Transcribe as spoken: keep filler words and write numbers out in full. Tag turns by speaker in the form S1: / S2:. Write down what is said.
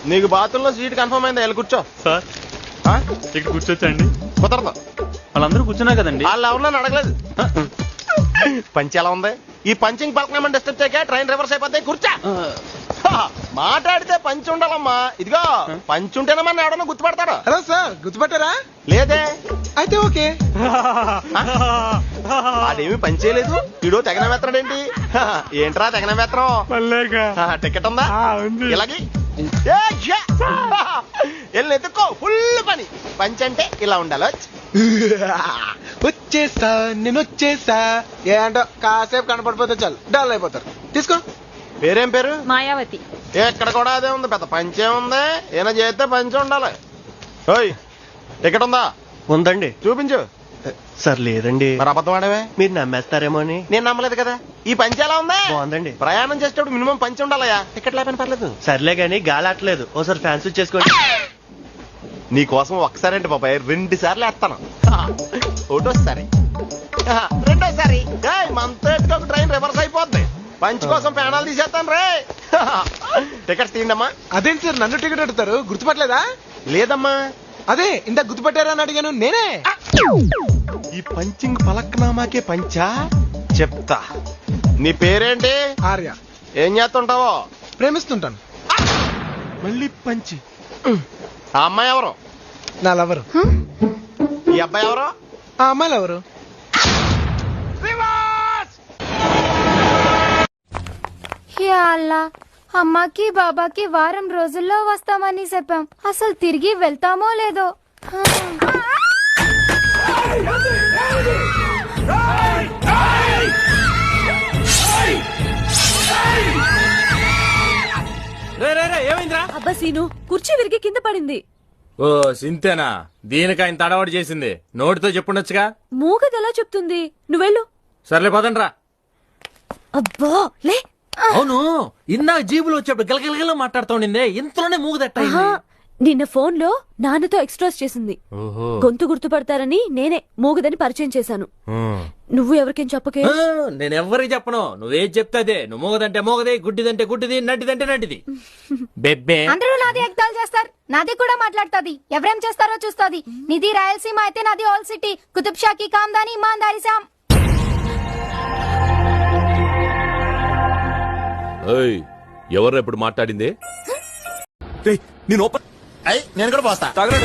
S1: నీకు బాత్రూంలో seat confirm అయిందా? వెళ్ళి కూర్చో.
S2: సార్ ఇక్కడ కూర్చోచ్చండి?
S1: కుదరదు.
S2: వాళ్ళందరూ కూర్చున్నా కదండి.
S1: వాళ్ళు ఎవరన్నా అడగలేదు. పంచి ఎలా ఉంది? ఈ పంచింగ్ పలకనమని డిస్టర్బ్ చేయక ట్రైన్ రివర్స్ అయిపోతాయి. కూర్చా. మాట్లాడితే పంచి ఉండాలమ్మా. ఇదిగో పంచి ఉంటేనే మన ఎవడన్నా గుర్తుపడతాడు.
S3: Hello sir, గుర్తుపట్టారా?
S1: లేదే.
S3: అయితే ఓకే.
S1: అదేమి పని చేయలేదు. వీడు తెగన వేత్తడేంటి? ఏంట్రా తెగన వేత్తడం? టికెట్ ఉందా? ఇలాగి వెళ్ళి ఎత్తుక్కో. ఫుల్ పని. పంచి అంటే ఇలా ఉండాలి.
S3: వచ్చేసా నేను వచ్చేసా. ఏంటో కాసేపు కనపడిపోతే చాలు డల్ అయిపోతారు. తీసుకో.
S1: పేరేం పేరు?
S4: మాయావతి.
S1: ఎక్కడ కూడా అదే ఉంది. పెద్ద పంచే ఉంది. ఏమైనా చేస్తే పంచి ఉండాలి. ఓయ్ టికెట్ ఉందా?
S5: ఉందండి.
S1: చూపించు.
S5: సార్ లేదండి.
S1: మరి అబద్ధం ఆడవే?
S5: మీరు నమ్మేస్తారేమో అని.
S1: నేను నమ్మలేదు కదా. ఈ పంచి ఎలా ఉందా?
S5: బాగుందండి.
S1: ప్రయాణం చేసేటప్పుడు మినిమం పంచి ఉండాలయా. టికెట్ లేకపోయినా పర్లేదు.
S5: సర్లే గానీ గాలి ఆటలేదు. ఓసారి ఫ్యాన్స్ చేసుకోండి.
S1: నీ కోసం ఒకసారి అంటే బాబాయ్ రెండు సార్లు వేస్తాను. ఒకటోసారి రెండోసారి మనతో ఒక ట్రైన్ రివర్స్ అయిపోద్ది. పంచి కోసం ప్రాణాలు తీసేస్తాను రే. టికెట్స్ తీయండమ్మా.
S3: అదేంటి సార్ నన్ను టికెట్ అడుగుతారు? గుర్తుపట్టలేదా?
S1: లేదమ్మా.
S3: అదే ఇంత గుర్తుపట్టారా అని అడిగాను నేనే.
S1: ఈ పంచింగ్ పలక్నామాకే పంచా? చెప్తా. నీ పేరేంటి?
S3: ఆర్య.
S1: ఏం చేస్తుంటావో?
S3: ప్రేమిస్తుంటాను.
S1: మళ్ళీ పంచి. ఆ అమ్మాయి ఎవరు?
S3: నా లవరు.
S1: ఈ అబ్బాయి ఎవరు?
S3: ఆ అమ్మాయిలు ఎవరు?
S4: అమ్మాకి బాబాకి వారం రోజుల్లో వస్తామని చెప్పాం. అసలు తిరిగి వెళ్తామో లేదో.
S6: ఏమైందిరా?
S7: అబ్బా సీను, కుర్చీ విరిగి కింద పడింది.
S6: ఓ సింతేనా? దీనికి ఆయన తడవాడు చేసింది. నోటితో చెప్పుండొచ్చుగా.
S7: మూగది ఎలా చెప్తుంది? నువ్వెళ్ళు.
S6: సర్లే పదండ్రా.
S7: అబ్బా లే.
S6: అవును, ఇందాక జీబులో వచ్చేప్పుడు గలగలగల మాట్లాడుతూ ఉండిందే, ఇంతలోనే మూగదట్ట.
S7: నిన్న ఫోన్ లో నాన్నతో ఎక్స్ట్రాస్ చేసింది. గొంతు గుర్తుపడతారని నేనే మూగదని పరిచయం చేశాను. నువ్వు ఎవరికేం చెప్పకే.
S6: నేను ఎవరికి చెప్పను. నువ్వేం చెప్తాదే. నువ్వు మూగదంటే మూగది, గుడ్డిదంటే గుడ్డిది, నడ్డిదంటే నడ్డిది. బెబ్బే
S4: అందరూ నాది ఎగ్దాలు చేస్తారు. నాది కూడా మాట్లాడుతుంది. ఎవరేం చేస్తారో చూస్తుంది. నిధి రాయలసీమ అయితే నాది ఆల్ సిటీ. కుతుబ్ షాకి కామ్దాని ఇమాందారి శామ్.
S8: ఎవరు ఎప్పుడు మాట్లాడింది?
S1: నేను కూడా పోస్తా.